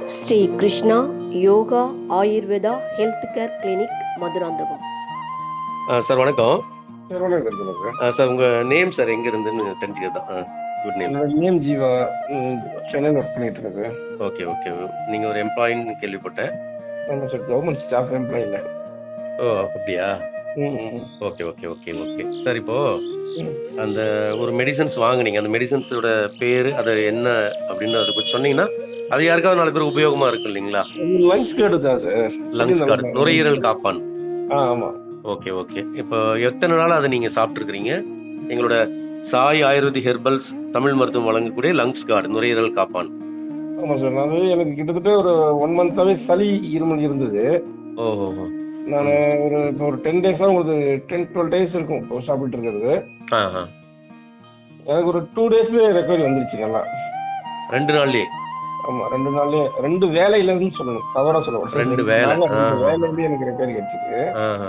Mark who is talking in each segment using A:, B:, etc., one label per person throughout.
A: Sri Krishna Yoga Ayurveda health care clinic Madurantakam.
B: Sir வணக்கம்.
C: Sir வணக்கம் சொல்லுங்க.
B: சார் உங்கள் நேம் சார் எங்கே இருந்துன்னு தெரிஞ்சுக்கிறது தான். Good name.
C: என்னோட நேம் ஜீவா. சென்னையில் ஒர்க் பண்ணிட்டு இருக்கேன் சார்.
B: Okay okay. நீங்கள் ஒரு எம்ப்ளாயின்னு கேள்விப்பட்டேன்.
C: ஆமாம் சார், கவர்மெண்ட் ஸ்டாஃப் எம்ப்ளாய் இல்லை.
B: ஓ அப்படியா? Okay okay okay okay sir. இப்போது அந்த ஒரு மெடிசன்ஸ் வாங்குனீங்க, அந்த மெடிசன்ஸோட பேர் அது என்ன அப்படின்னு அதை கொஞ்சம் சொன்னீங்கன்னா அது யாருக்காவது 4 பேர் உபயோகமாக இருக்கும் இல்லைங்களா?
C: லங்ஸ் கார்டு தான் சார்.
B: லங்ஸ் கார்டு, நுரையீரல் காப்பான்.
C: ஆமாம்.
B: Okay okay. இப்போ எத்தனை நாள் அதை நீங்கள் சாப்பிட்ருக்கிறீங்க? எங்களோட சாய் ஆயுர்வேதிக் ஹெர்பல்ஸ் தமிழ் மருத்துவம் வழங்கக்கூடிய லங்ஸ் கார்டு, நுரையீரல் காப்பான்.
C: ஆமாம் சார், நான் எனக்கு கிட்டத்தட்ட ஒரு 1 மந்த்தாகவே சளி இருமல் இருந்தது.
B: ஓஹோ.
C: நான் இப்போ ஒரு 10 டேஸாக உங்களுக்கு 10-12 டேஸ் இருக்கும் இப்போ சாப்பிட்டு இருக்கிறது. எனக்கு ஒரு 2 டேஸ்லேயே ரெக்கவரி வந்துருச்சு நல்லா.
B: 2 நாள்லயே?
C: ஆமாம், 2 நாள்லேயே 2 வேலையிலேருந்து சொல்லணும், தவறாக சொல்லணும்.
B: 2 வேலை.
C: வேலையிலேருந்து எனக்கு ரெக்கவரி கிடைச்சிது.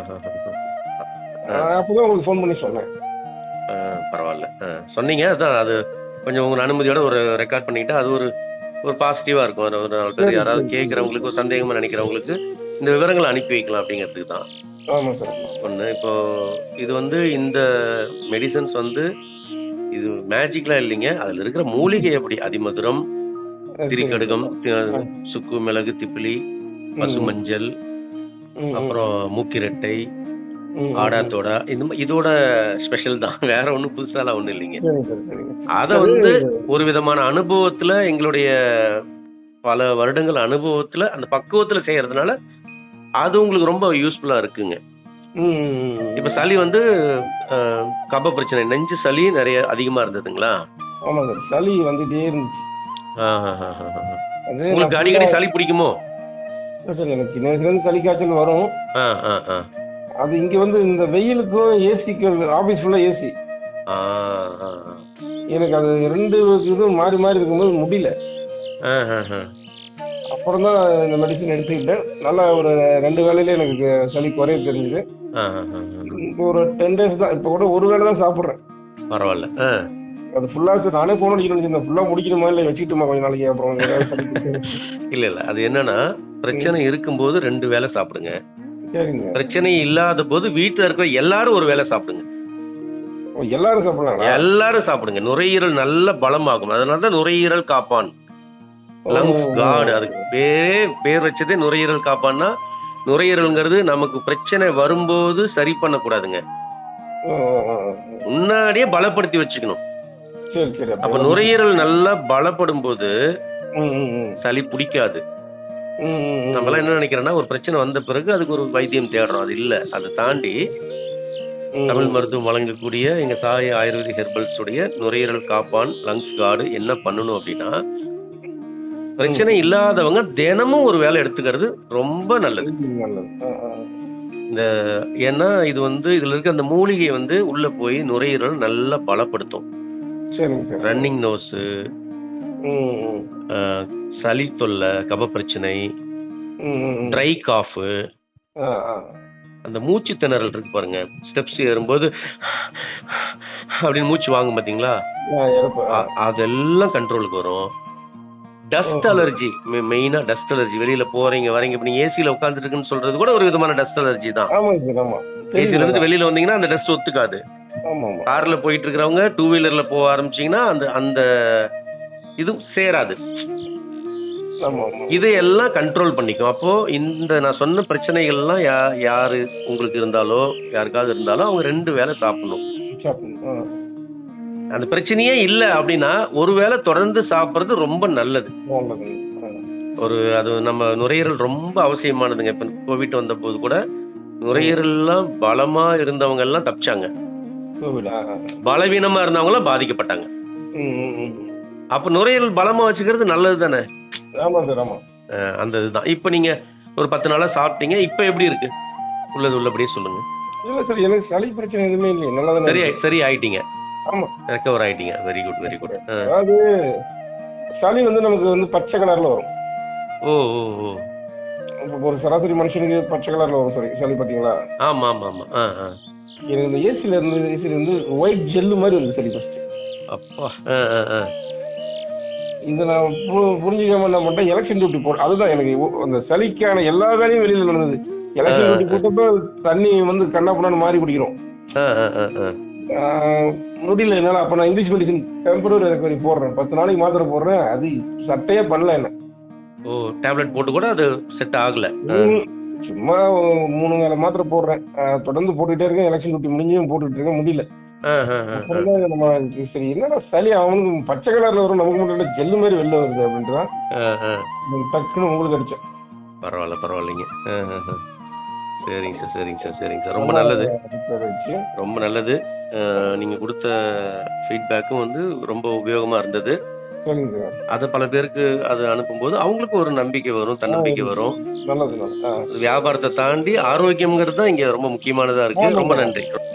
C: அப்போ தான் உங்களுக்கு ஃபோன் பண்ணி சொன்னேன்.
B: பரவாயில்ல. சொன்னீங்க, அதான் அது கொஞ்சம் உங்கள் அனுமதியோட ஒரு ரெக்கார்ட் பண்ணிக்கிட்டா அது ஒரு ஒரு பாசிட்டிவாக இருக்கும். ஒரு 4 பேர் யாராவது கேட்குறவங்களுக்கு, ஒரு சந்தேகமாக நினைக்கிறவங்களுக்கு இந்த விவரங்களை அனுப்பி வைக்கலாம் அப்படிங்கிறதுக்கு தான்.
C: ஆமாம் சார்.
B: ஒன்று, இப்போ இது இந்த மெடிசன்ஸ் இது மேஜிக்லாம் இல்லைங்க. அதில் இருக்கிற மூலிகை எப்படி அதிமதுரம், திரிகடுகம், சுக்கு, மிளகு, திப்பிலி, பசுமஞ்சள், அப்புறம் மூக்கிரட்டை, ஆடாத்தோடா, இதோட ஸ்பெஷல் தான். வேற ஒன்றும் புதுசாலாம் ஒன்றும் இல்லைங்க. அதை ஒரு விதமான அனுபவத்தில், எங்களுடைய பல வருடங்கள் அனுபவத்தில், அந்த பக்குவத்தில் செய்யறதுனால அது உங்களுக்கு ரொம்ப யூஸ்ஃபுல்லாக இருக்குங்க. இப்போ சளி கப பிரச்சனை, நெஞ்சு சளி நிறைய அதிகமாக இருந்ததுங்களா?
C: ஆமாம் சார், சளி வந்துட்டே இருந்துச்சு.
B: உங்களுக்கு அடிக்கடி சளி பிடிக்குமோ?
C: சார், எனக்கு சின்ன வயசுலேருந்து சளி காய்ச்சல் வரும். அது இங்கே இந்த வெயிலுக்கும் ஏசிக்கு, ஆஃபீஸ் ஃபுல்லாக ஏசி, எனக்கு அது 2 இதுவும் மாறி மாறி இருக்கும்போது முடியல. அப்புறம் தான் இந்த மெடிசன் எடுத்துக்கிட்டேன். நல்லா ஒரு 2 வேளையில எனக்கு சளி குறைய தெரிஞ்சுது. இப்போ ஒரு 10 டேஸ் தான், இப்போ கூட ஒரு வேளை தான் சாப்பிட்றேன்.
B: பரவாயில்ல.
C: அது ஃபுல்லாக நானே போன அடிக்கணும், ஃபுல்லாக முடிக்கணுமா இல்லை வச்சுக்கிட்டுமா கொஞ்சம் நாளைக்கு அப்புறம்?
B: இல்லை இல்லை, அது என்னன்னா, பிரச்சனை இருக்கும்போது 2 வேளை சாப்பிடுங்க.
C: சரிங்க.
B: பிரச்சனை இல்லாத போது வீட்டில் இருக்கிற எல்லாரும் ஒரு வேளை சாப்பிடுங்க.
C: எல்லாரும் சாப்பிடலாம்?
B: எல்லாரும் சாப்பிடுங்க. நுரையீரல் நல்ல பலமாகும். அதனால தான் நுரையீரல் காப்பான், லங்ஸ் கார்டு. அதுக்கு பேர் வச்சதே நுரையீரல் காப்பான்னா, நுரையீரல்ங்கிறது நமக்கு பிரச்சனை வரும்போது சரி பண்ணக்கூடாதுங்க, முன்னாடியே பலப்படுத்தி வச்சுக்கணும். அப்ப நுரையீரல் நல்லா பலப்படும் போது சளி பிடிக்காது. நம்மளாம் என்ன நினைக்கிறோம்னா, ஒரு பிரச்சனை வந்த பிறகு அதுக்கு ஒரு வைத்தியம் தேடுறோம். அது இல்லை. அதை தாண்டி தமிழ் மருத்துவம் வழங்கக்கூடிய எங்க சாய் ஆயுர்வேதிக் ஹெர்பல்ஸ் உடைய நுரையீரல் காப்பான் லங்ஸ் கார்டு என்ன பண்ணணும் அப்படின்னா, பிரச்சனை இல்லாதவங்க தினமும் ஒரு வேலை எடுத்துக்கிறது ரொம்ப நல்லது. ஏன்னா இது இதுல இருக்க அந்த மூலிகை உள்ள போய் நுரையீரல் நல்லா பலப்படுத்தும். ரன்னிங் நோஸ், சளி தொல்லை, கப பிரச்சனை, ட்ரை காஃப், அந்த மூச்சு திணறல் இருக்கு பாருங்க, ஸ்டெப்ஸ் ஏறும்போது அப்படின்னு மூச்சு வாங்கும் பார்த்தீங்களா, அதெல்லாம் கண்ட்ரோலுக்கு வரும். டஸ்ட் அலர்ஜி, மெயினாக டஸ்ட் அலர்ஜி, வெளியில் போகிறீங்க வரீங்க, இப்போ நீங்கள் ஏசியில் உட்காந்துருக்குன்னு சொல்கிறது கூட ஒரு விதமான டஸ்ட் அலர்ஜி தான். ஏசியிலேருந்து வெளியில் வந்தீங்கன்னா அந்த டஸ்ட் ஒத்துக்காது. காரில் போயிட்டு இருக்கிறவங்க 2 வீலரில் போக ஆரம்பிச்சிங்கன்னா அந்த இது சேராது. இதையெல்லாம் கண்ட்ரோல் பண்ணிக்கும். அப்போது நான் சொன்ன பிரச்சனைகள்லாம் யார் உங்களுக்கு இருந்தாலோ யாருக்காவது இருந்தாலும் அவங்க 2 வேளை சாப்பிடணும். அந்த பிரச்சனையே இல்லை அப்படின்னா ஒரு வேளை தொடர்ந்து சாப்பிட்றது ரொம்ப நல்லது. அது நம்ம நுரையீரல் ரொம்ப அவசியமானதுங்க. இப்போ கோவிட் வந்த போது கூட நுரையீரல்லாம் பலமாக இருந்தவங்க எல்லாம் தப்பிச்சாங்க, பலவீனமாக இருந்தவங்களாம் பாதிக்கப்பட்டாங்க. அப்போ நுரையீரல் பலமாக வச்சுக்கிறது நல்லது தானே? அந்த இதுதான். இப்போ நீங்கள் ஒரு 10 நாளாக சாப்பிட்டீங்க, இப்போ எப்படி இருக்கு? உள்ளபடியே சொல்லுங்க.
C: இல்லை சார், எனக்கு சளி பிரச்சனை எதுவுமே இல்லை, நல்லா தான்
B: சரி ஆயிட்டீங்க.
C: ஆமாம்,
B: ரெக்கவர் ஆயிட்டீங்க. Very good very good.
C: அதாவது சளி நமக்கு பச்சை கலரில் வரும்.
B: ஓ ஓ ஓ.
C: ஒரு சராசரி மனுஷனுக்கு பச்சை கலரில் வரும் சளி, பார்த்தீங்களா?
B: ஆமாம் ஆமாம் ஆமாம்.
C: எனக்கு இந்த ஏசியில ஒயிட் ஜெல்லு மாதிரி வருது சளி ஃபர்ஸ்ட்.
B: அப்பா.
C: இதை நான் புரிஞ்சுக்காம என்ன பண்ணிட்டேன், எலெக்ஷன் டியூட்டி போட அதுதான் எனக்கு அந்த சளிக்கான எல்லா வேலையும் வெளியில் நடந்தது. எலெக்ஷன் டியூட்டி போட்டப்போ தண்ணி வந்து கண்ணா பண்ணான்னு மாறி குடிக்கிறோம். முடியல என்னால். அப்போ நான் இங்கிலீஷ் மெடிசன் டெம்பரரி ரெக்கவரி போடுறேன், 10 நாளைக்கு மாத்திரை போடுறேன். அது சட்டையே பண்ணல என்ன.
B: ஓ, டேப்லெட் போட்டு கூட அது செட் ஆகல.
C: சும்மா 3 வேளை மாத்திரை போடுறேன், தொடர்ந்து போட்டுக்கிட்டே இருக்கேன். எலெக்ஷன் டியூட்டி முடிஞ்சும் போட்டுக்கிட்டு இருக்கேன், முடியல. அப்புறம் தான் நம்ம சரி என்னடா சளி அவனுக்கு பச்சை கலர்ல வரும், நமக்கு மட்டும் ஜெல்லு மாதிரி வெளில வருது அப்படின்ட்டு தான் டக்குன்னு உங்களுக்கு அடிச்சேன்.
B: பரவாயில்ல, பரவாயில்லைங்க. சரிங்க சார், சரிங்க சார், சரிங்க சார். ரொம்ப நல்லது, ரொம்ப நல்லது. நீங்க கொடுத்த ஃபீட்பேக்கும் வந்து ரொம்ப உபயோகமா இருந்தது.
C: சரிங்க சார்.
B: அதை பல பேருக்கு அது அனுப்பும்போது அவங்களுக்கு ஒரு நம்பிக்கை வரும், தன்னம்பிக்கை வரும்.
C: நல்லது.
B: வியாபாரத்தை தாண்டி ஆரோக்கியம்ங்கிறது தான் இங்க ரொம்ப முக்கியமானதா இருக்கு. ரொம்ப நன்றி.